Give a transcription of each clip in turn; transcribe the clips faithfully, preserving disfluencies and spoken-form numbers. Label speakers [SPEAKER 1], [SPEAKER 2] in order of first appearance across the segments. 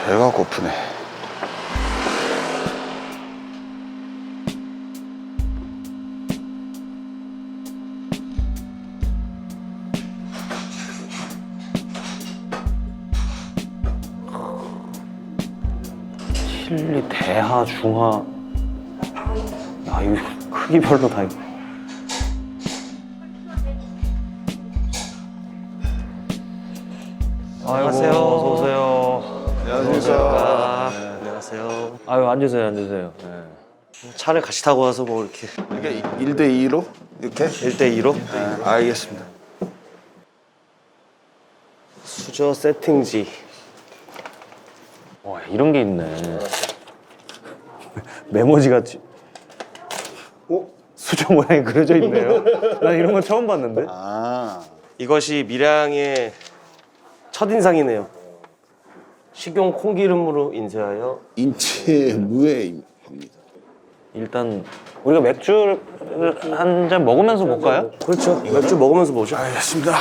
[SPEAKER 1] 배가 고프네.
[SPEAKER 2] 칠리, 대하, 중하. 야, 이거 크기별로 다.
[SPEAKER 3] 안녕하세요. 어서 오세요.
[SPEAKER 1] 안녕하세요.
[SPEAKER 3] 아, 안녕하세요.
[SPEAKER 2] 아유, 앉으세요, 앉으세요. 네.
[SPEAKER 3] 차를 같이 타고 와서 뭐 이렇게
[SPEAKER 1] 이게 일 대 이로 이렇게?
[SPEAKER 3] 일 대 이로
[SPEAKER 1] 네, 알겠습니다.
[SPEAKER 3] 수저 세팅지.
[SPEAKER 2] 와, 이런 게 있네. 메모지 같이.
[SPEAKER 1] 어?
[SPEAKER 2] 수저 모양이 그려져 있네요. 난 이런 건 처음 봤는데.
[SPEAKER 1] 아,
[SPEAKER 3] 이것이 밀양의 첫인상이네요. 식용 콩기름으로 인쇄하여
[SPEAKER 1] 인체 무해입니다.
[SPEAKER 2] 일단 우리가 맥주를 한 잔 먹으면서 볼까요?
[SPEAKER 3] 그렇죠. 맥주 먹으면서 보죠.
[SPEAKER 1] 알겠습니다.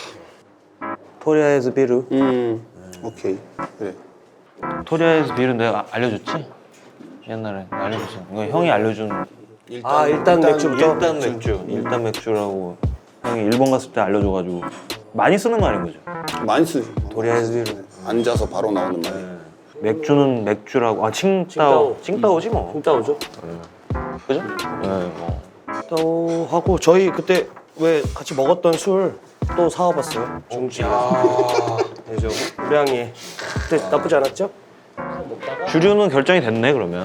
[SPEAKER 2] 토리아에즈 비르.
[SPEAKER 3] 음.
[SPEAKER 1] 오케이. 그래.
[SPEAKER 2] 토리아에즈 비르 내가 알려줬지? 옛날에 알려줬어. 이거 형이 알려준.
[SPEAKER 3] 아 일단, 맥주부터.
[SPEAKER 2] 일단 맥주. 일단 맥주라고 형이 일본 갔을 때 알려줘가지고 많이 쓰는 말인 거죠.
[SPEAKER 1] 많이 쓰죠.
[SPEAKER 2] 토리아에즈 비르.
[SPEAKER 1] 앉아서 바로 나오는 말.
[SPEAKER 2] 맥주는 맥주라고. 아 칭따오. 칭따오지 뭐.
[SPEAKER 3] 칭따오죠.
[SPEAKER 2] 그죠? 네, 뭐.
[SPEAKER 3] 칭따오 하고 저희 그때 왜 같이 먹었던 술 또 사와봤어요. 중지. 그죠. 우량이 그때 나쁘지 않았죠?
[SPEAKER 2] 주류는 결정이 됐네 그러면.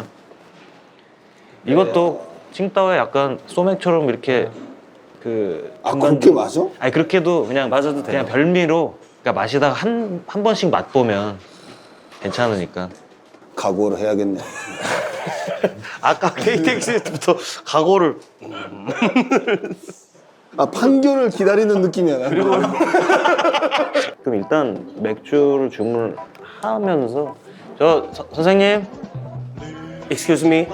[SPEAKER 2] 이것도 칭따오에 약간 소맥처럼 이렇게 그.
[SPEAKER 1] 아,
[SPEAKER 2] 중간-
[SPEAKER 1] 그렇게 마셔?
[SPEAKER 2] 아니 그렇게도 그냥
[SPEAKER 3] 맞아도 돼요.
[SPEAKER 2] 그냥 별미로 그러니까 마시다가 한 한 번씩 맛보면 괜찮으니까.
[SPEAKER 1] 각오를 해야겠네.
[SPEAKER 3] 아까 케이티엑스부터 각오를
[SPEAKER 1] 아, 판결을 기다리는 느낌이야. 나. 그리고
[SPEAKER 2] 그럼 일단 맥주를 주문하면서 저 서- 선생님
[SPEAKER 3] Excuse me.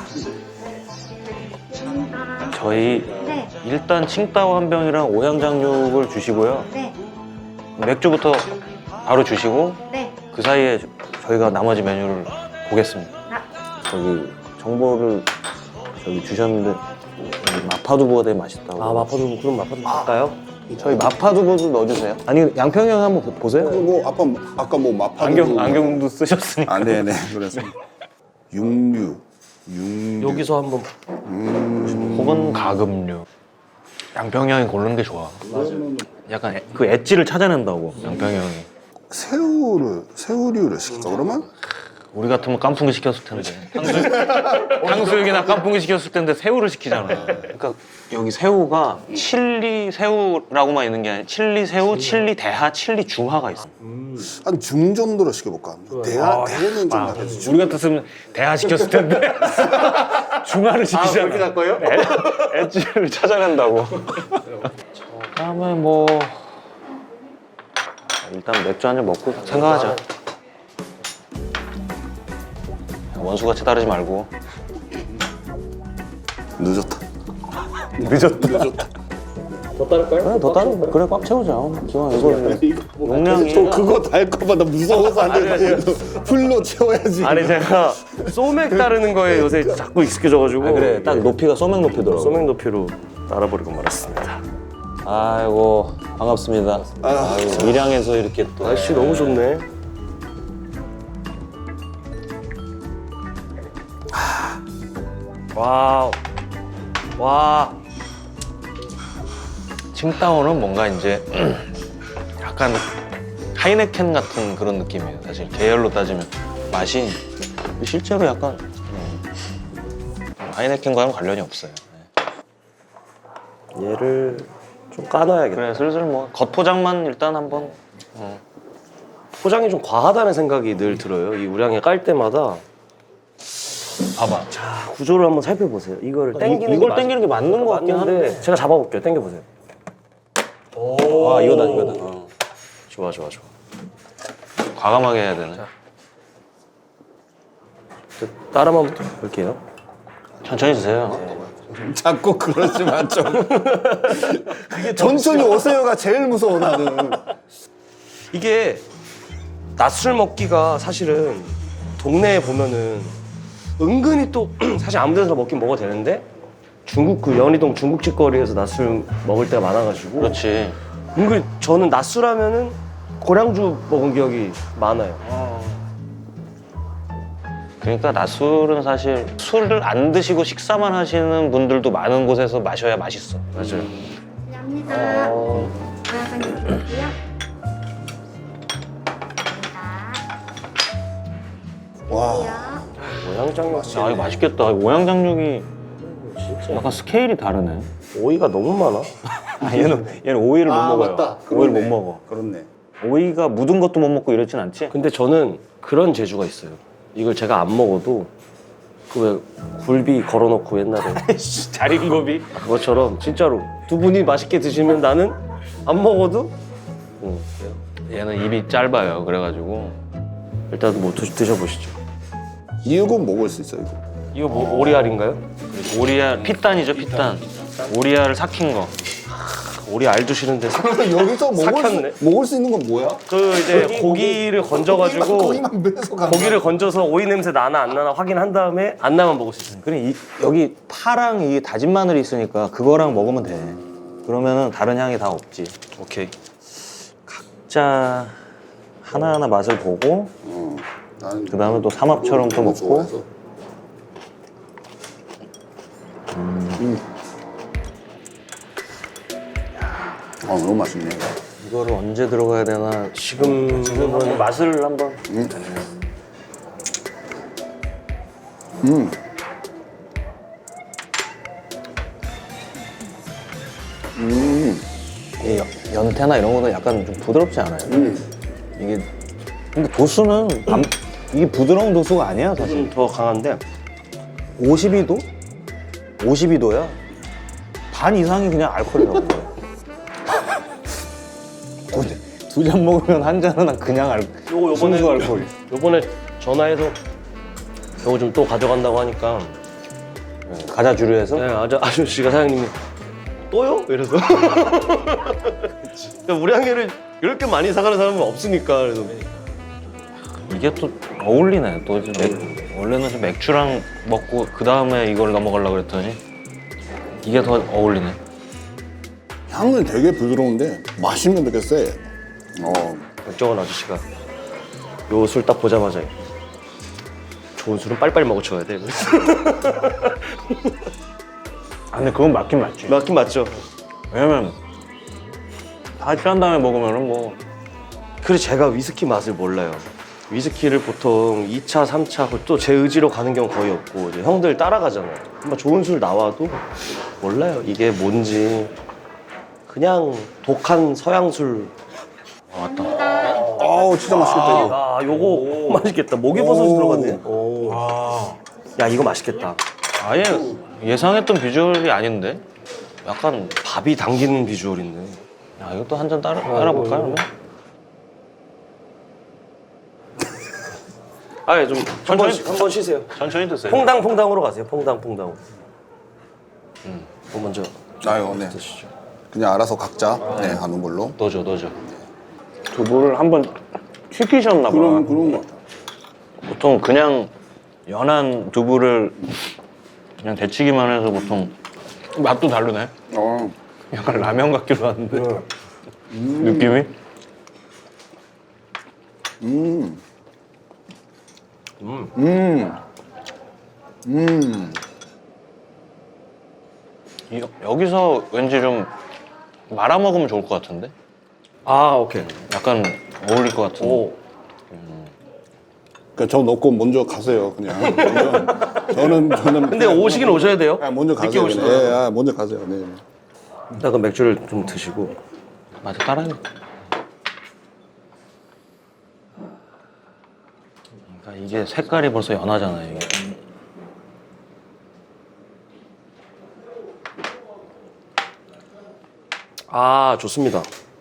[SPEAKER 2] 저희
[SPEAKER 4] 네,
[SPEAKER 2] 일단 칭따오 한 병이랑 오향장육을 주시고요.
[SPEAKER 4] 네,
[SPEAKER 2] 맥주부터 바로 주시고
[SPEAKER 4] 네.
[SPEAKER 2] 그 사이에 저- 저희가 나머지 메뉴를 보겠습니다.
[SPEAKER 4] 아.
[SPEAKER 2] 저기 정보를 저기 주셨는데 여기 마파두부가 되게 맛있다고.
[SPEAKER 3] 아 마파두부 그럼 마파두부 할까요?
[SPEAKER 2] 저희 마파두부도 넣어주세요. 아니 양평이 형 한번 보- 보세요.
[SPEAKER 1] 뭐 아까 아까 뭐 마파
[SPEAKER 2] 안경 안경도 쓰셨으니까.
[SPEAKER 1] 아, 네네. 그렇습니다. 육류, 육류.
[SPEAKER 3] 여기서 한번
[SPEAKER 2] 혹은 가금류. 양평이 형이 고르는 게 좋아. 맞아. 약간 애- 그 엣지를 찾아낸다고 양평이 형이.
[SPEAKER 1] 새우를 새우류를 시킬까 그러면?
[SPEAKER 2] 우리 같으면 깐풍기 시켰을 텐데. 탕수육, 탕수육이나 깐풍기 시켰을 텐데 새우를 시키잖아. 그러니까 여기 새우가 칠리 새우라고만 있는 게 아니라 칠리 새우, 칠리 대하, 칠리 중하가 있어.
[SPEAKER 1] 한 중 정도로 시켜볼까? 대하 대는 좀 약간 중.
[SPEAKER 2] 우리 같았으면 대하 시켰을 텐데 중하를 시키잖아.
[SPEAKER 3] 그렇게 갈 거예요?
[SPEAKER 2] 엣- 엣지를 찾아낸다고. 다음에 뭐 일단 맥주 한 잔 먹고 생각하자. 원수같이 따르지 말고.
[SPEAKER 1] 늦었다.
[SPEAKER 2] 늦었다.
[SPEAKER 1] 늦었다.
[SPEAKER 3] 더 따를까요?
[SPEAKER 2] 그래 더 따르. 그래 꽉 채우자. 기왕 이거 용량이.
[SPEAKER 1] 또 그거 다 할까봐 나 무서워서 안 돼. 풀로 채워야지.
[SPEAKER 3] 아니 제가 소맥 따르는 거에 요새 자꾸 익숙해져가지고
[SPEAKER 2] 아, 그래 딱 높이가 소맥 높이더라고.
[SPEAKER 3] 소맥 높이로 따라버리고 말았습니다.
[SPEAKER 2] 아이고 반갑습니다.
[SPEAKER 1] 아,
[SPEAKER 2] 아이고, 밀양에서 이렇게 또.
[SPEAKER 3] 날씨 너무 좋네. 와우. 와.
[SPEAKER 2] 칭따오는 뭔가 이제 약간 하이네켄 같은 그런 느낌이에요. 사실 계열로 따지면 맛이 실제로 약간 음, 하이네켄과는 관련이 없어요. 네.
[SPEAKER 3] 얘를 좀 까놔야겠다.
[SPEAKER 2] 그래 슬슬 뭐 겉포장만 일단 한번. 어.
[SPEAKER 3] 포장이 좀 과하다는 생각이 늘 들어요. 이 우량에 깔 때마다
[SPEAKER 2] 봐봐.
[SPEAKER 3] 자, 구조를 한번 살펴보세요. 이거를 당기는
[SPEAKER 2] 이걸
[SPEAKER 3] 게
[SPEAKER 2] 당기는 게 맞는 것 같긴
[SPEAKER 3] 맞는데
[SPEAKER 2] 한데.
[SPEAKER 3] 제가 잡아볼게요. 당겨보세요.
[SPEAKER 2] 아 이거다 이거다. 어.
[SPEAKER 3] 좋아 좋아 좋아.
[SPEAKER 2] 과감하게 해야 되네.
[SPEAKER 3] 저 따라만 볼게요.
[SPEAKER 2] 천천히 드세요.
[SPEAKER 1] 자꾸 그러지 마 좀. 천천히 오세요가 제일 무서워 나는.
[SPEAKER 3] 이게 낮술 먹기가 사실은 동네에 보면은 은근히 또 사실 아무 데서 먹긴 먹어도 되는데 중국 그 연희동 중국집 거리에서 낮술 먹을 때가 많아가지고
[SPEAKER 2] 그렇지.
[SPEAKER 3] 은근히 저는 낮술 하면은 고량주 먹은 기억이 많아요.
[SPEAKER 2] 그러니까 낮술은 사실 술을 안 드시고 식사만 하시는 분들도 많은 곳에서 마셔야 맛있어.
[SPEAKER 3] 맞아요.
[SPEAKER 4] 감사합니다.
[SPEAKER 3] 어...
[SPEAKER 4] 하나님 드릴게요.
[SPEAKER 1] 와.
[SPEAKER 3] 오양장육
[SPEAKER 2] 아 이거 맛있겠다. 오양장육이
[SPEAKER 3] 진짜
[SPEAKER 2] 약간 스케일이 다르네.
[SPEAKER 3] 오이가 너무 많아.
[SPEAKER 2] 아, 얘는 얘는 오이를 못
[SPEAKER 1] 아,
[SPEAKER 2] 먹어요.
[SPEAKER 1] 맞다.
[SPEAKER 2] 오이를
[SPEAKER 1] 그렇네.
[SPEAKER 2] 못 먹어.
[SPEAKER 1] 그렇네.
[SPEAKER 2] 오이가 묻은 것도 못 먹고 이러진 않지?
[SPEAKER 3] 근데 저는 그런 재주가 있어요. 이걸 제가 안 먹어도 그 왜 굴비 걸어놓고 옛날에
[SPEAKER 2] 잘 익은 고비.
[SPEAKER 3] 그것처럼 진짜로 두 분이 맛있게 드시면 나는 안 먹어도 응, 그래요.
[SPEAKER 2] 얘는 입이 짧아요. 그래가지고
[SPEAKER 3] 일단 뭐 드, 드셔보시죠.
[SPEAKER 1] 이거 먹을 수 있어 이거.
[SPEAKER 3] 이거 뭐 오리알인가요?
[SPEAKER 2] 오리알 피단이죠 피단. 오리알을 삭힌 거.
[SPEAKER 3] 오리 알 주시는데 사...
[SPEAKER 1] 그러면 여기서 먹을
[SPEAKER 3] 삭혔네.
[SPEAKER 1] 수, 먹을 수 있는 건 뭐야?
[SPEAKER 3] 그 이제 고기를 건져가지고
[SPEAKER 1] 거기만 빼서 간
[SPEAKER 3] 고기를 건져서 오이 냄새 나나 안 나나 확인한 다음에 안 나면 먹을 수 있어요.
[SPEAKER 2] 그래 이, 여기 파랑 이 다진 마늘이 있으니까 그거랑 먹으면 돼. 그러면은 다른 향이 다 없지.
[SPEAKER 3] 오케이.
[SPEAKER 2] 각자 하나하나 맛을 보고
[SPEAKER 1] 어, 나는
[SPEAKER 2] 그 다음에 또 삼합처럼 또
[SPEAKER 1] 너무
[SPEAKER 2] 먹고.
[SPEAKER 1] 좋아해서. 음. 아 너무 맛있네.
[SPEAKER 2] 이거를 언제 들어가야 되나
[SPEAKER 3] 지금
[SPEAKER 2] 지금은 맛을 한번.
[SPEAKER 1] 음. 음. 음.
[SPEAKER 2] 이게 연- 연태나 이런 거는 약간 좀 부드럽지 않아요?
[SPEAKER 1] 음.
[SPEAKER 2] 이게 근데 도수는 안- 이게 부드러운 도수가 아니야 사실.
[SPEAKER 3] 좀 더 강한데
[SPEAKER 2] 오십이 도? 오십이 도야. 반 이상이 그냥 알코올이라고. 두 잔 먹으면 한 잔은 그냥 알,
[SPEAKER 3] 요거 요번에
[SPEAKER 2] 순수 알코올.
[SPEAKER 3] 요번에 전화해서 요거 좀 또 가져간다고 하니까
[SPEAKER 2] 과자 주류에서.
[SPEAKER 3] 네, 아저, 아저씨가 사장님이 또요? 이래서 우리 한개를 이렇게 많이 사가는 사람은 없으니까 그래서
[SPEAKER 2] 이게 또 어울리네. 또 이제 맥, 원래는 좀 맥주랑 먹고 그 다음에 이걸 넘어가려고 그랬더니 이게 더 어울리네.
[SPEAKER 1] 향은 되게 부드러운데 맛있는 되게 세. 어.
[SPEAKER 3] 백종원 아저씨가 요 술 딱 보자마자 좋은 술은 빨리빨리 먹어쳐야 돼.
[SPEAKER 2] 아 근데 그건 맞긴 맞지.
[SPEAKER 3] 맞긴 맞죠.
[SPEAKER 2] 왜냐면 다 취한 다음에 먹으면은 뭐
[SPEAKER 3] 그래서 제가 위스키 맛을 몰라요. 위스키를 보통 이 차, 삼 차 또 제 의지로 가는 경우 거의 없고 이제 형들 따라가잖아요. 한번 좋은 술 나와도 몰라요. 이게 뭔지 그냥 독한 서양 술.
[SPEAKER 1] 아우 진짜 맛있겠다 이거.
[SPEAKER 3] 아, 요거 맛있겠다. 목이버섯이
[SPEAKER 1] 오.
[SPEAKER 3] 들어갔네. 오. 야, 이거 맛있겠다.
[SPEAKER 2] 아예 예상했던 비주얼이 아닌데 약간
[SPEAKER 3] 밥이 당기는 비주얼인데.
[SPEAKER 2] 야 이것도 한 잔 따라 따라 볼까요 그러면?
[SPEAKER 3] 아, 좀 한번 한번 쉬세요.
[SPEAKER 2] 천천히 드세요.
[SPEAKER 3] 퐁당 퐁당으로 가세요. 퐁당 퐁당. 음. 뭐 먼저
[SPEAKER 1] 아유 네.
[SPEAKER 3] 드시죠.
[SPEAKER 1] 그냥 알아서 각자 네, 하는 걸로.
[SPEAKER 2] 넣어줘 넣어줘. 두부를 한번 튀기셨나 봐.
[SPEAKER 1] 그런 그런 거.
[SPEAKER 2] 보통 그냥 연한 두부를 그냥 데치기만 해서 보통 맛도 다르네.
[SPEAKER 1] 어.
[SPEAKER 2] 약간 라면 같기도 한데 느낌이.
[SPEAKER 1] 음.
[SPEAKER 3] 음.
[SPEAKER 1] 음. 음.
[SPEAKER 2] 이- 여기서 왠지 좀 말아 먹으면 좋을 것 같은데?
[SPEAKER 3] 아, 오케이.
[SPEAKER 2] 약간 어울릴 것 같은데.
[SPEAKER 3] 오.
[SPEAKER 1] 그러니까 저 넣고 먼저 가세요 그냥. 먼저. 저는 저는.
[SPEAKER 3] 근데 오시긴 오셔야 돼요.
[SPEAKER 1] 아, 먼저
[SPEAKER 3] 늦게
[SPEAKER 1] 가세요. 그냥.
[SPEAKER 3] 오시더라고요.
[SPEAKER 1] 예, 아, 먼저 가세요. 네.
[SPEAKER 3] 일단 그 맥주를 좀 드시고.
[SPEAKER 2] 맞아 따라해. 그러니까 이게 색깔이 벌써 연하잖아요. 이게.
[SPEAKER 3] 아, 좋습니다.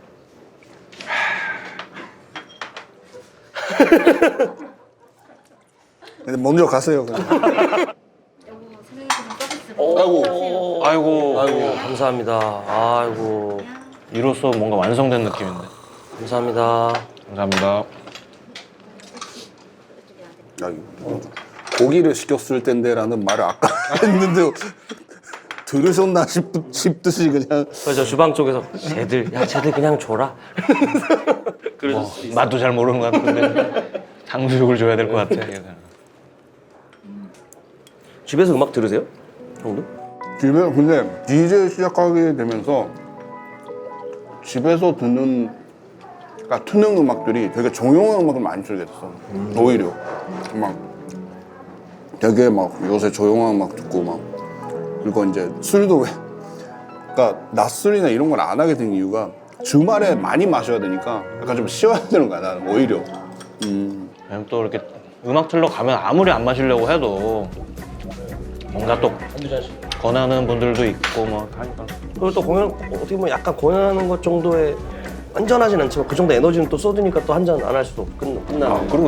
[SPEAKER 1] 근데 먼저 가세요 그냥.
[SPEAKER 4] 여보, 사장님께서 서비스로
[SPEAKER 1] 아이고.
[SPEAKER 2] 아이고,
[SPEAKER 3] 아이고, 감사합니다. 아이고,
[SPEAKER 2] 이로써 뭔가 완성된 느낌인데.
[SPEAKER 3] 감사합니다.
[SPEAKER 2] 감사합니다.
[SPEAKER 1] 갑자기 고기를 시켰을 텐데라는 말을 아까 했는데 들으셨나 싶, 싶듯이 그냥
[SPEAKER 3] 그래서 주방 쪽에서 쟤들 야 쟤들 그냥 줘라.
[SPEAKER 2] 뭐, 맛도 잘 모르는 것 같은데 탕수육을 줘야 될 것 같아.
[SPEAKER 3] 집에서 음악 들으세요? 형도?
[SPEAKER 1] 집에 근데 디제이 시작하게 되면서 집에서 듣는 그러니까 트는 음악들이 되게 조용한 음악을 많이 들게 됐어. 오히려 막 되게 막 요새 조용한 음악 듣고 막 그리고 이제 술도 왜 그러니까 낮술이나 이런 걸 안 하게 된 이유가 주말에 많이 마셔야 되니까 약간 좀 쉬어야 되는 거야 나는 오히려. 음.
[SPEAKER 2] 왜냐면 또 이렇게 음악 틀러 가면 아무리 안 마시려고 해도 뭔가 또 권하는 분들도 있고 뭐 하니까.
[SPEAKER 3] 그리고 또 공연 어떻게 보면 약간 공연하는 것 정도의 완전하진 않지만 그 정도 에너지는 또 쏟으니까 또 한 잔 안 할 수도 끝, 끝나는.
[SPEAKER 2] 아, 그리고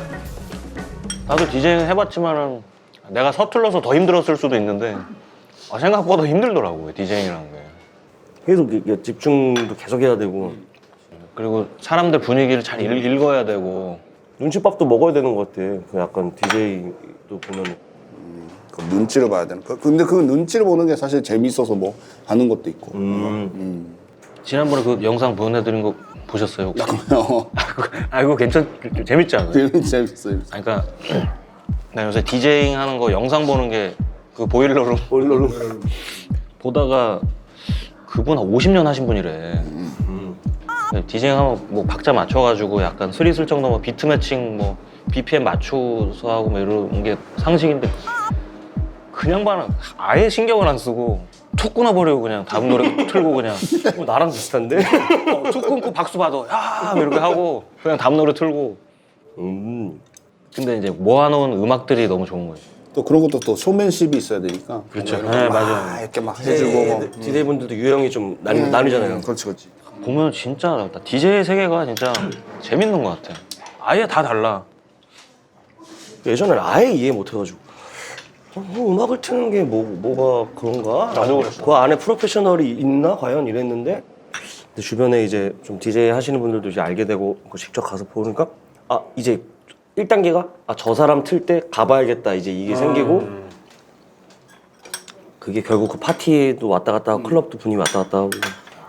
[SPEAKER 2] 나도 디제잉 해봤지만은 내가 서툴러서 더 힘들었을 수도 있는데 아, 생각보다 힘들더라고요 디제잉이라는 게.
[SPEAKER 3] 계속 이게 집중도 계속 해야 되고
[SPEAKER 2] 그리고 사람들 분위기를 잘 읽, 읽어야 되고.
[SPEAKER 3] 눈치밥도 먹어야 되는 것 같아. 그 약간 디제이도 보면
[SPEAKER 1] 그 눈치를 봐야 되는. 그- 근데 그 눈치를 보는 게 사실 재밌어서 뭐 하는 것도 있고.
[SPEAKER 3] 음.
[SPEAKER 1] 음.
[SPEAKER 2] 지난번에 그 영상 보내드린 거 보셨어요 혹시?
[SPEAKER 1] 어,
[SPEAKER 2] 아 이거 괜찮 재밌지 않아요?
[SPEAKER 1] 재밌 재밌어요.
[SPEAKER 2] 아니, 그러니까 나 요새 디제잉 하는 거 영상 보는 게 그 보일러룸
[SPEAKER 3] 보일러룸
[SPEAKER 2] 보다가 그분 한 오십 년 하신 분이래. 디제잉 하면 뭐 박자 맞춰가지고 약간 스리슬쩍 넘어 비트 매칭 뭐 비피엠 맞춰서 하고 뭐 이런 게 상식인데 그냥 봐는 아예 신경을 안 쓰고 툭 끊어버리고 그냥 다음 노래 틀고 그냥
[SPEAKER 3] 어, 나랑 비슷한데?
[SPEAKER 2] 어, 툭 끊고 박수 받아 야 이렇게 하고 그냥 다음 노래 틀고.
[SPEAKER 3] 음.
[SPEAKER 2] 근데 이제 모아놓은 음악들이 너무 좋은 거예요.
[SPEAKER 1] 또 그런 것도 또 쇼맨십이 있어야 되니까.
[SPEAKER 2] 그렇죠.
[SPEAKER 1] 뭔가 이런
[SPEAKER 2] 네,
[SPEAKER 1] 거 막
[SPEAKER 2] 맞아요.
[SPEAKER 1] 이렇게 막 해주고 뭐.
[SPEAKER 3] 디제이 분들도 유형이 좀 나뉘, 나뉘잖아요.
[SPEAKER 1] 그렇지 그렇지.
[SPEAKER 2] 보면 진짜 디제이 세계가 진짜 재밌는 것 같아. 아예 다 달라.
[SPEAKER 3] 예전에는 아예 이해 못 해가지고 어, 뭐 음악을 트는 게 뭐, 뭐가 그런가?
[SPEAKER 2] 나도 그랬어.
[SPEAKER 3] 그 안에 프로페셔널이 있나? 과연 이랬는데 근데 주변에 이제 좀 디제이 하시는 분들도 이제 알게 되고 그 직접 가서 보니까 아 이제 일 단계가 아 저 사람 틀 때 가봐야겠다 이제 이게 생기고 그게 결국 그 파티에도 왔다 갔다 하고 클럽도 분위기 왔다 갔다 하고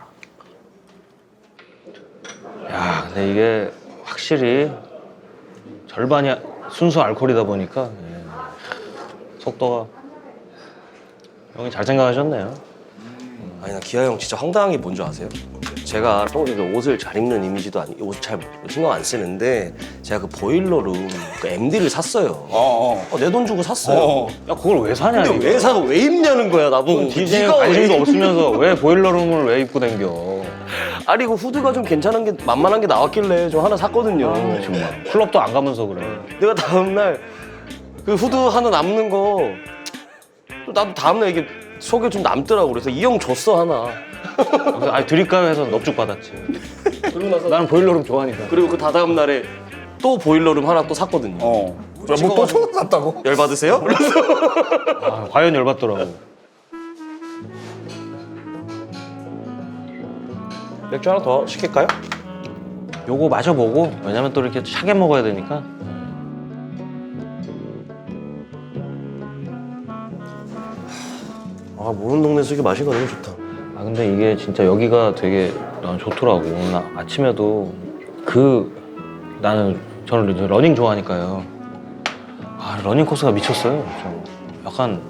[SPEAKER 2] 야, 근데 이게 확실히 절반이 순수 알코올이다 보니까 예. 속도가 형이 잘 생각하셨네요.
[SPEAKER 3] 아니 나 기아 형 진짜 황당한 게 뭔지 아세요? 제가 또 이게 옷을 잘 입는 이미지도 아니 옷 잘 신경 안 쓰는데 제가 그 보일러룸 그 엠디를 샀어요.
[SPEAKER 1] 어 어.
[SPEAKER 3] 내 돈 주고 샀어요.
[SPEAKER 1] 어.
[SPEAKER 2] 야, 그걸 왜 사냐?
[SPEAKER 3] 근데 왜 사고 왜 입냐는 거야 나보고.
[SPEAKER 2] 디제이
[SPEAKER 3] 네가 왜
[SPEAKER 2] 관심도
[SPEAKER 3] 입-
[SPEAKER 2] 없으면서 왜 보일러룸을 왜 입고 댕겨?
[SPEAKER 3] 아니 그 후드가 좀 괜찮은 게 만만한 게 나왔길래 좀 하나 샀거든요.
[SPEAKER 2] 정말 클럽도 안 가면서 그래.
[SPEAKER 3] 내가 다음날 그 후드 하나 남는 거 또 나도 다음날 이게 속에 좀 남더라고. 그래서 이 형 줬어 하나.
[SPEAKER 2] 그래서 아 드릴까요 해서 넙죽 받았지.
[SPEAKER 3] 그러고 나서
[SPEAKER 2] 나는 보일러룸 좋아하니까.
[SPEAKER 3] 그리고 그 다다음 날에 또 보일러룸 하나 또 샀거든요.
[SPEAKER 1] 어. 뭐또 처음 샀다고?
[SPEAKER 3] 열 받으세요?
[SPEAKER 2] 아, 과연 열받더라고.
[SPEAKER 3] 맥주 하나 더 시킬까요?
[SPEAKER 2] 요거 마셔보고 왜냐면 또 이렇게 차게 먹어야 되니까.
[SPEAKER 3] 아 모르는 동네에서 이렇게 마시니까 너무 좋다.
[SPEAKER 2] 아 근데 이게 진짜 여기가 되게 난 좋더라고. 나 아침에도 그 나는 저는 이제 러닝 좋아하니까요. 아 러닝 코스가 미쳤어요. 좀 약간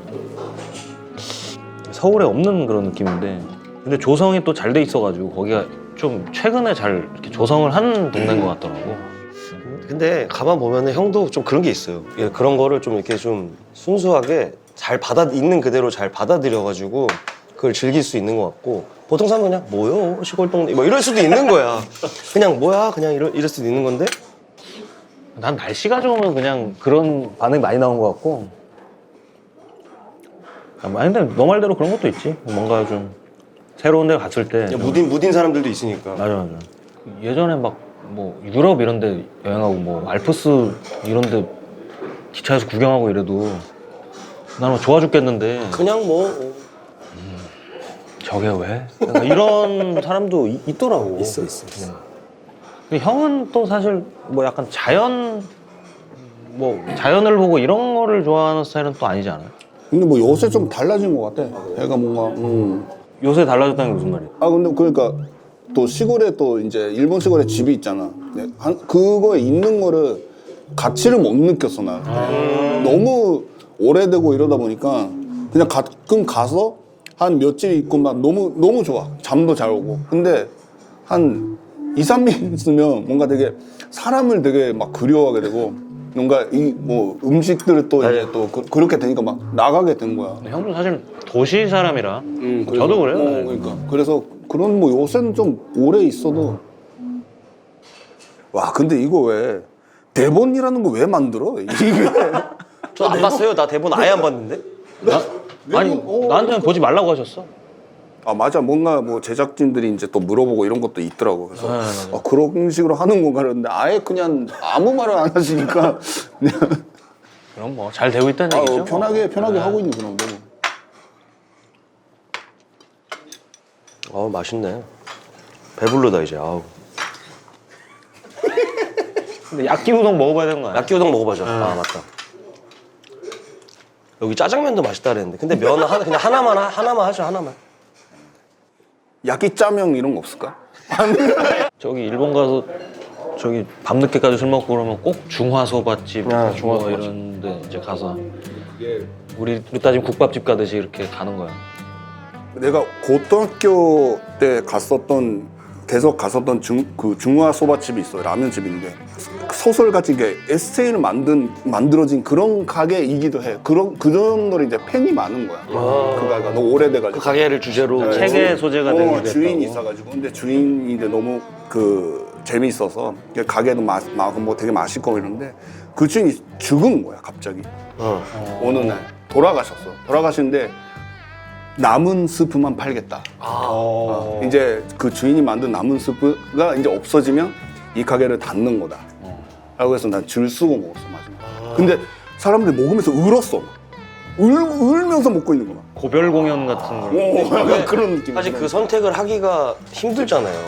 [SPEAKER 2] 서울에 없는 그런 느낌인데 근데 조성이 또 잘 돼 있어가지고 거기가 좀 최근에 잘 이렇게 조성을 한 동네인 것 같더라고.
[SPEAKER 3] 근데 가만 보면은 형도 좀 그런 게 있어요. 예, 그런 거를 좀 이렇게 좀 순수하게 잘 받아 있는 그대로 잘 받아들여가지고 그걸 즐길 수 있는 것 같고 보통 사람은 그냥 뭐요 시골 동네 뭐 이럴 수도 있는 거야. 그냥 뭐야 그냥 이럴, 이럴 수도 있는 건데
[SPEAKER 2] 난 날씨가 좋으면 그냥 그런 반응이 많이 나온 것 같고. 아, 근데 너 말대로 그런 것도 있지. 뭔가 좀 새로운 데 갔을 때.
[SPEAKER 3] 그냥 무딘 무딘 사람들도 있으니까.
[SPEAKER 2] 맞아 맞아. 예전에 막 뭐 유럽 이런 데 여행하고 뭐 알프스 이런 데 기차에서 구경하고 이래도 나는 좋아 죽겠는데
[SPEAKER 3] 그냥 뭐
[SPEAKER 2] 저게 왜? 약간 이런 사람도 이- 있더라고.
[SPEAKER 3] 있어 있어. 있어.
[SPEAKER 2] 근데 형은 또 사실 뭐 약간 자연을 뭐 자연을 보고 이런 거를 좋아하는 스타일은 또 아니지 않아요?
[SPEAKER 1] 근데 뭐 요새 좀 달라진 것 같아. 애가 뭔가 음.
[SPEAKER 2] 요새 달라졌다는 게 무슨 말이에요?
[SPEAKER 1] 아 근데 그러니까 또 시골에 또 이제 일본 시골에 집이 있잖아. 근데 한, 그거에 있는 거를 가치를 못 느꼈어 나. 너무 오래되고 이러다 보니까 그냥 가끔 가서 한 며칠 있고 막 너무 너무 좋아. 잠도 잘 오고. 근데 한 이, 삼 일 있으면 뭔가 되게 사람을 되게 막 그리워하게 되고 뭔가 이 뭐 음식들을 또 이제 또 그, 그렇게 되니까 막 나가게 된 거야.
[SPEAKER 2] 근데 형도 사실 도시 사람이라
[SPEAKER 1] 음, 그래서-
[SPEAKER 2] 저도 그래요.
[SPEAKER 1] 어,
[SPEAKER 2] 네.
[SPEAKER 1] 그러니까 그래서 그런 뭐 요새는 좀 오래 있어도 와 근데 이거 왜 대본이라는 거 왜 만들어? 이게
[SPEAKER 3] 저 안 봤어요. 나 대본 아예 안 봤는데.
[SPEAKER 2] 나, 아니
[SPEAKER 1] 어,
[SPEAKER 2] 나한테는 보지 말라고 하셨어.
[SPEAKER 1] 아 맞아 뭔가 뭐 제작진들이 이제 또 물어보고 이런 것도 있더라고 그래서
[SPEAKER 2] 네, 네, 네.
[SPEAKER 1] 아, 그런 식으로 하는 건가 그랬는데 아예 그냥 아무 말을 안 하시니까 그냥
[SPEAKER 2] 그럼 뭐 잘 되고 있다는
[SPEAKER 1] 아,
[SPEAKER 2] 얘기죠.
[SPEAKER 1] 편하게 편하게
[SPEAKER 2] 네.
[SPEAKER 1] 하고 있는 그런 거.
[SPEAKER 3] 어 맛있네. 배불러다 이제. 아우.
[SPEAKER 2] 근데 야끼 우동 먹어봐야 되는 거 아니야?
[SPEAKER 3] 야끼 우동 먹어보자. 아 맞다. 여기 짜장면도 맛있다 그랬는데 근데 면 하나 그냥 하나만 하- 하나만 하죠 하나만.
[SPEAKER 1] 야끼 짜명 이런 거 없을까?
[SPEAKER 2] 저기 일본 가서 저기 밤늦게까지 술 먹고 그러면 꼭 중화소바집
[SPEAKER 3] 아,
[SPEAKER 2] 중화
[SPEAKER 3] 중화소바집.
[SPEAKER 2] 이런데 이제 가서 우리 우리 따지면 국밥집 가듯이 이렇게 가는 거야.
[SPEAKER 1] 내가 고등학교 때 갔었던 계속 갔었던 중, 그 중화 소바집이 있어요. 라면집인데 소설같이 이게 에세이를 만든 만들어진 그런 가게이기도 해. 그런 그 정도로 이제 팬이 많은 거야. 그 가게가 너무 오래돼가지고.
[SPEAKER 3] 그 가게를 주제로
[SPEAKER 1] 네,
[SPEAKER 2] 책의
[SPEAKER 1] 주-
[SPEAKER 2] 소재가
[SPEAKER 1] 어,
[SPEAKER 2] 되기도
[SPEAKER 1] 주인이
[SPEAKER 2] 했다고.
[SPEAKER 1] 있어가지고 근데 주인이 이제 너무 그 재미있어서 가게도 마, 마, 뭐 되게 맛있고 이런데 그 주인이 죽은 거야 갑자기.
[SPEAKER 3] 어.
[SPEAKER 1] 어느 날 돌아가셨어. 돌아가시는데 남은 스프만 팔겠다. 어, 이제 그 주인이 만든 남은 스프가 이제 없어지면 이 가게를 닫는 거다. 라고 해서 난 줄 서고 먹었어 마지막. 근데 사람들이 먹으면서 울었어. 울, 울면서 먹고 있는 거야.
[SPEAKER 2] 고별 공연 같은 걸.
[SPEAKER 1] 오, 약간 그런 느낌.
[SPEAKER 3] 사실 그 선택을 하기가 힘들잖아요.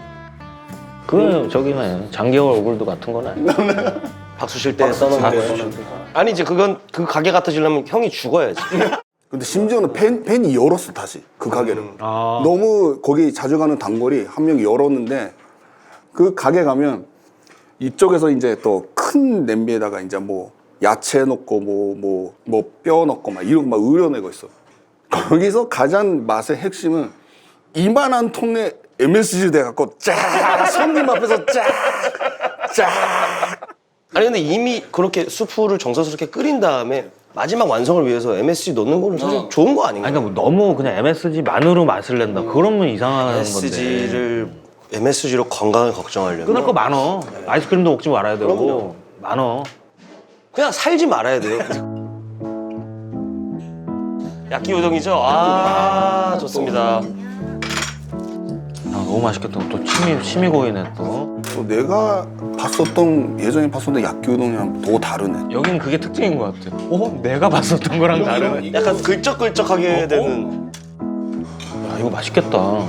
[SPEAKER 2] 그 저기네 장기월 오글도 같은 거네.
[SPEAKER 3] 박수 칠 때 써놓은 거예요. 아니 이제 그건 그 가게 같아지려면 형이 죽어야지.
[SPEAKER 1] 근데 심지어는 팬, 팬이 열었어 다시 그 가게를.
[SPEAKER 2] 아.
[SPEAKER 1] 너무 거기 자주 가는 단골이 한 명이 열었는데 그 가게 가면 이쪽에서 이제 또 큰 냄비에다가 이제 뭐 야채 넣고 뭐 뭐 뭐 뼈 넣고 막 이런 거 막 우려내고 있어. 거기서 가장 맛의 핵심은 이만한 통에 엠에스지 돼갖고 쫙 손님 앞에서 쫙쫙
[SPEAKER 3] 아니 근데 이미 그렇게 수프를 정성스럽게 끓인 다음에 마지막 완성을 위해서 엠에스지 넣는 거는 사실 좋은 거 아닌가요?
[SPEAKER 2] 아니 그러니까 뭐 너무 그냥 엠에스지만으로 맛을 낸다. 그러면 이상한 건데.
[SPEAKER 3] 엠에스지를 엠에스지로 건강을 걱정하려면
[SPEAKER 2] 끊을 거 많어. 아이스크림도 먹지 말아야 되고
[SPEAKER 3] 그럼요.
[SPEAKER 2] 많어.
[SPEAKER 3] 그냥 살지 말아야 돼요. 야끼 우동이죠? 아 좋습니다.
[SPEAKER 2] 아, 너무 맛있겠다. 또 침이 침이 고이네 또.
[SPEAKER 1] 또 내가 봤었던 예전에 봤었던 야끼우동이랑 더 다르네.
[SPEAKER 2] 여긴 그게 특징인 것 같아. 어? 내가 봤었던 거랑 다르네.
[SPEAKER 3] 약간 글적글적하게 되는.
[SPEAKER 2] 야, 이거 맛있겠다.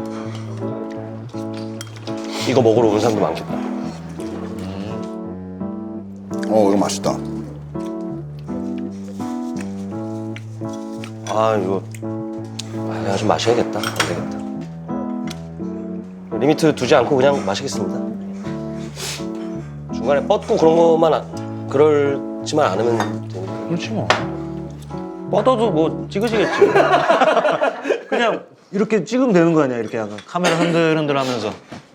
[SPEAKER 3] 이거 먹으러 온 사람도 많겠다.
[SPEAKER 1] 어 이거 맛있다.
[SPEAKER 3] 아 이거 아, 내가 좀 마셔야겠다. 안 되겠다. 리미트 두지 않고 그냥 마시겠습니다. 중간에 뻗고 그런 것만 안- 그럴지만 않으면 되니까.
[SPEAKER 2] 그렇지 뭐. 뻗어도 뭐 찍으시겠지. 그냥 이렇게 찍으면 되는 거 아니야? 이렇게 약간 카메라 흔들흔들 하면서.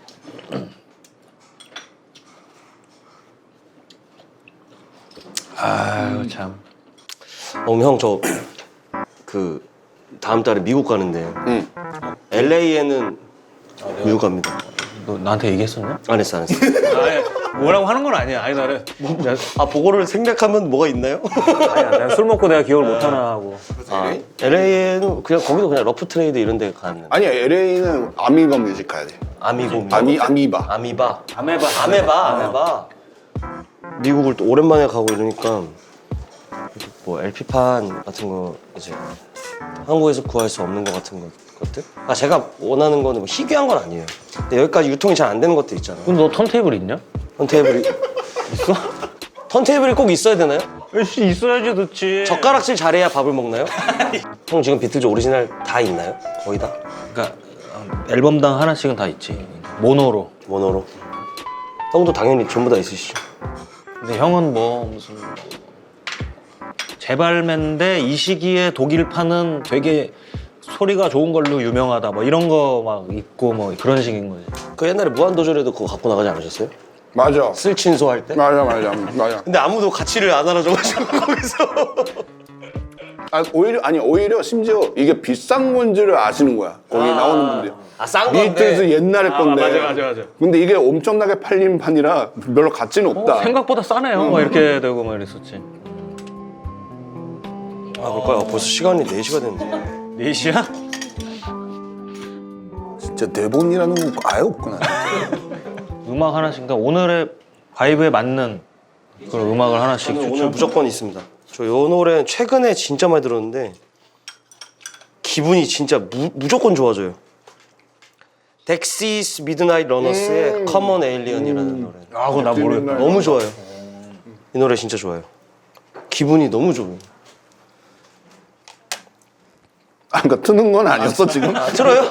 [SPEAKER 2] 아유 참.
[SPEAKER 3] 어, 형, 저, 그, 다음 달에 미국 가는데,
[SPEAKER 1] 응.
[SPEAKER 3] 엘에이에는 미국 갑니다.
[SPEAKER 2] 너 나한테 얘기했었냐?
[SPEAKER 3] 안 했어, 안 했어.
[SPEAKER 2] 아니 뭐라고 하는 건 아니야. 아니 나는 내가,
[SPEAKER 3] 아, 보고를 생략하면 뭐가 있나요?
[SPEAKER 2] 아니야. 내가 술 먹고 내가 기억을 못 하나 하고.
[SPEAKER 3] 아, 엘에이에는 그냥, 거기도 그냥 러프 트레이드 이런 데 가는.
[SPEAKER 1] 아니야 엘에이는 아미바 뮤직 가야 돼.
[SPEAKER 3] 아미고.
[SPEAKER 1] 아미 아미바.
[SPEAKER 3] 아미바.
[SPEAKER 2] 아메바.
[SPEAKER 3] 아메바, 아메바. 미국을 또 오랜만에 가고 이러니까, 뭐, 엘피판 같은 거, 이제, 한국에서 구할 수 없는 것 같은 것, 것들? 아, 제가 원하는 거는 뭐 희귀한 건 아니에요. 근데 여기까지 유통이 잘 안 되는 것들 있잖아요.
[SPEAKER 2] 근데 너 턴테이블 있냐?
[SPEAKER 3] 턴테이블이
[SPEAKER 2] 있어?
[SPEAKER 3] 턴테이블이 꼭 있어야 되나요?
[SPEAKER 2] 씨 있어야지 듣지.
[SPEAKER 3] 젓가락질 잘해야 밥을 먹나요? 형 지금 비틀즈 오리지널 다 있나요? 거의 다?
[SPEAKER 2] 그러니까 어, 앨범당 하나씩은 다 있지. 모노로.
[SPEAKER 3] 모노로. 형도 당연히 전부 다 있으시죠.
[SPEAKER 2] 근데 형은 뭐 무슨 재발매인데 이 시기에 독일판은 되게 소리가 좋은 걸로 유명하다 뭐 이런 거 막 있고 뭐 그런 식인 거지.
[SPEAKER 3] 그 옛날에 무한도전에도 그거 갖고 나가지 않으셨어요?
[SPEAKER 1] 맞아.
[SPEAKER 3] 쓸친소 할 때?
[SPEAKER 1] 맞아, 맞아, 맞아.
[SPEAKER 3] 근데 아무도 가치를 안 알아줘가지고 거기서
[SPEAKER 1] 아, 오히려, 아니, 오히려 심지어 이게 비싼 건지를 아시는 거야. 거기
[SPEAKER 3] 아.
[SPEAKER 1] 나오는 분들이.
[SPEAKER 3] 아, 싼 건데.
[SPEAKER 1] 비틀즈 옛날에 건데.
[SPEAKER 2] 맞아, 맞아, 맞아.
[SPEAKER 1] 근데 이게 엄청나게 팔린 판이라 별로 가치는 없다.
[SPEAKER 2] 어, 생각보다 싸네요. 막 이렇게 되고 막 이랬었지.
[SPEAKER 3] 아 그럴까요? 벌써 시간이 네 시가 됐는데.
[SPEAKER 2] 네 시야?
[SPEAKER 1] 진짜 대본이라는 거 아예 없구나.
[SPEAKER 2] 음악 하나씩. 그러니까 오늘의 바이브에 맞는 그런 음악을 하나씩
[SPEAKER 3] 저는 오늘
[SPEAKER 2] 추천.
[SPEAKER 3] 무조건 있습니다. 저 요 노래 최근에 진짜 많이 들었는데 기분이 진짜 무, 무조건 좋아져요. 덱시스 미드나잇 러너스의 커먼 에일리언이라는 노래.
[SPEAKER 2] 아, 그거 나 모르겠다.
[SPEAKER 3] 너무 좋아요. 이 노래 진짜 좋아요. 기분이 너무 좋아요.
[SPEAKER 1] 아, 그러니까 트는 건 아니었어, 지금?
[SPEAKER 3] 아, 들어요?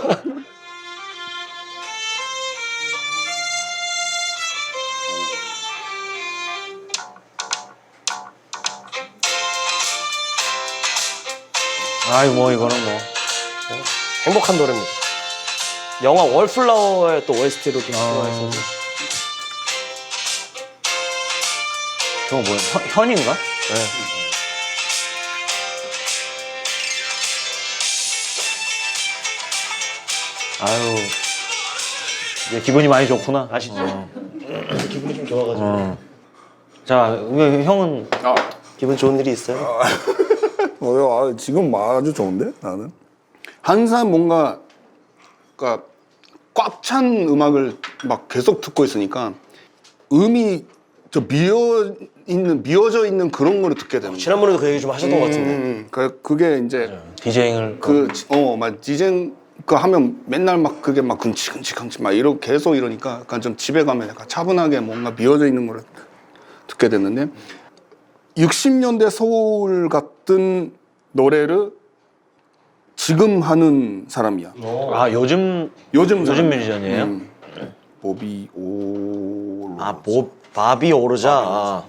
[SPEAKER 2] 아이 뭐 이거는 뭐.
[SPEAKER 3] 행복한 노래입니다. 영화 월플라워의 또 오에스티로도 들어있어서
[SPEAKER 2] 저거 뭐야? 현, 현인가?
[SPEAKER 3] 네.
[SPEAKER 2] 아유. 이제 기분이 많이 좋구나.
[SPEAKER 3] 아시죠?
[SPEAKER 2] 어.
[SPEAKER 3] 기분이 좀 좋아가지고
[SPEAKER 2] 어. 자, 왜 형은
[SPEAKER 1] 아,
[SPEAKER 3] 기분 좋은 일이 있어요?
[SPEAKER 1] 어, 아, 지금 아주 좋은데, 나는? 항상 뭔가, 그니까, 꽉 찬 음악을 막 계속 듣고 있으니까, 음이 저 미어 있는, 미어져 있는 그런 거를 듣게 되는 거야.
[SPEAKER 3] 지난번에도 그 얘기 좀 하셨던 것 같은데.
[SPEAKER 1] 음, 그, 그게 이제,
[SPEAKER 2] 디제잉을
[SPEAKER 1] 그, 지- 어, 막 디제잉 그 하면 맨날 막 그게 막 근치근치근치 막 이러 계속 이러니까 약간 좀 집에 가면 약간 차분하게 뭔가 미어져 있는 거를 듣게 됐는데 육십 년대 소울 같은 노래를 지금 하는 사람이야.
[SPEAKER 2] 아 요즘
[SPEAKER 1] 요즘
[SPEAKER 2] 요즘
[SPEAKER 1] 사람이야.
[SPEAKER 2] 뮤지션이에요?
[SPEAKER 1] 음. 보비 오.
[SPEAKER 3] 아, 뭐 바비 오르자. 아.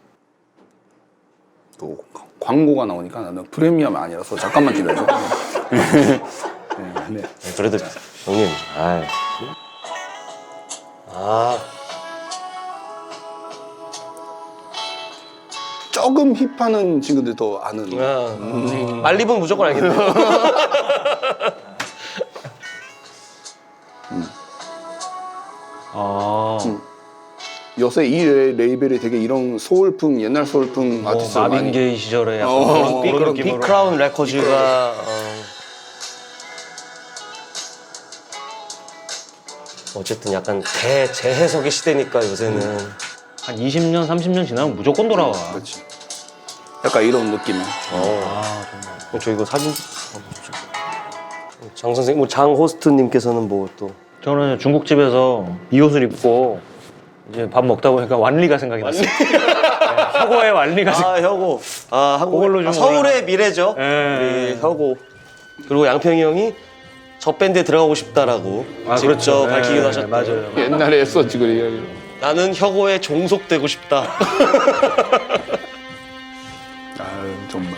[SPEAKER 1] 또 광고가 나오니까 나는 프리미엄이 아니라서 잠깐만 기다려. 네, 네.
[SPEAKER 3] 네, 그래도 형님. 아이. 아.
[SPEAKER 1] 조금 힙하는 친구들 더 아는.
[SPEAKER 3] 아, 말리분 무조건 알겠네.
[SPEAKER 2] 아
[SPEAKER 1] 요새 이 레- 레이벨이 되게 이런 소울풍 옛날 소울풍
[SPEAKER 2] 뭐
[SPEAKER 1] 아티스트
[SPEAKER 2] 마빈
[SPEAKER 1] 많이.
[SPEAKER 2] 게이 시절에 약간
[SPEAKER 1] 어,
[SPEAKER 2] 그런,
[SPEAKER 1] 어,
[SPEAKER 2] 그런
[SPEAKER 1] 그런
[SPEAKER 2] 느낌으로.
[SPEAKER 3] 빅크라운 레코즈가 어... 어쨌든 약간 대재해석의 시대니까 요새는
[SPEAKER 2] 한 이십 년, 삼십 년 지나면 무조건 돌아와.
[SPEAKER 1] 그렇지. 약간 이런 느낌이야.
[SPEAKER 3] 어.
[SPEAKER 2] 아 정말.
[SPEAKER 3] 어, 저 이거 사진 장 선생 뭐 장 호스트님께서는 뭐 또
[SPEAKER 2] 저는 중국집에서 이 옷을 입고 이제 밥 먹다 보니까 완리가 생각이 났어요. 네, 혁오의 완리가 생각.
[SPEAKER 3] 아 혁오 아 한국
[SPEAKER 2] 그걸로 좀
[SPEAKER 3] 아, 서울의
[SPEAKER 2] 올라가.
[SPEAKER 3] 미래죠.
[SPEAKER 2] 예.
[SPEAKER 3] 우리 혁오 그리고 양평이 형이 저 밴드에 들어가고 싶다라고
[SPEAKER 2] 아,
[SPEAKER 3] 직접
[SPEAKER 2] 그렇죠.
[SPEAKER 3] 밝히기도
[SPEAKER 2] 예,
[SPEAKER 3] 하셨대요.
[SPEAKER 2] 맞아요.
[SPEAKER 1] 옛날에 했었지 그 이야기.
[SPEAKER 3] 나는 혁오에 종속되고 싶다.
[SPEAKER 1] 아 정말.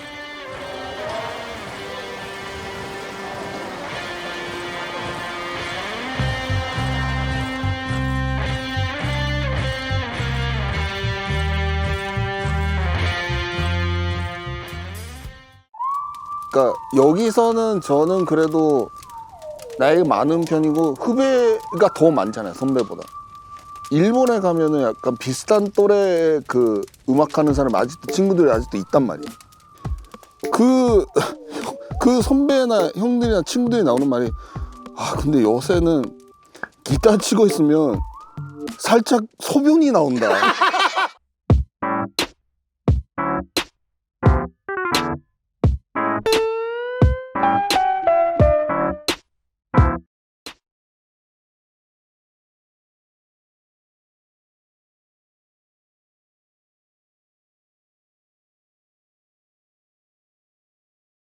[SPEAKER 1] 그러니까 여기서는 저는 그래도 나이가 많은 편이고 후배가 더 많잖아요, 선배보다. 일본에 가면은 약간 비슷한 또래 그 음악하는 사람 아직도 친구들이 아직도 있단 말이에요. 그, 그 선배나 형들이나 친구들이 나오는 말이 아 근데 요새는 기타 치고 있으면 살짝 소변이 나온다.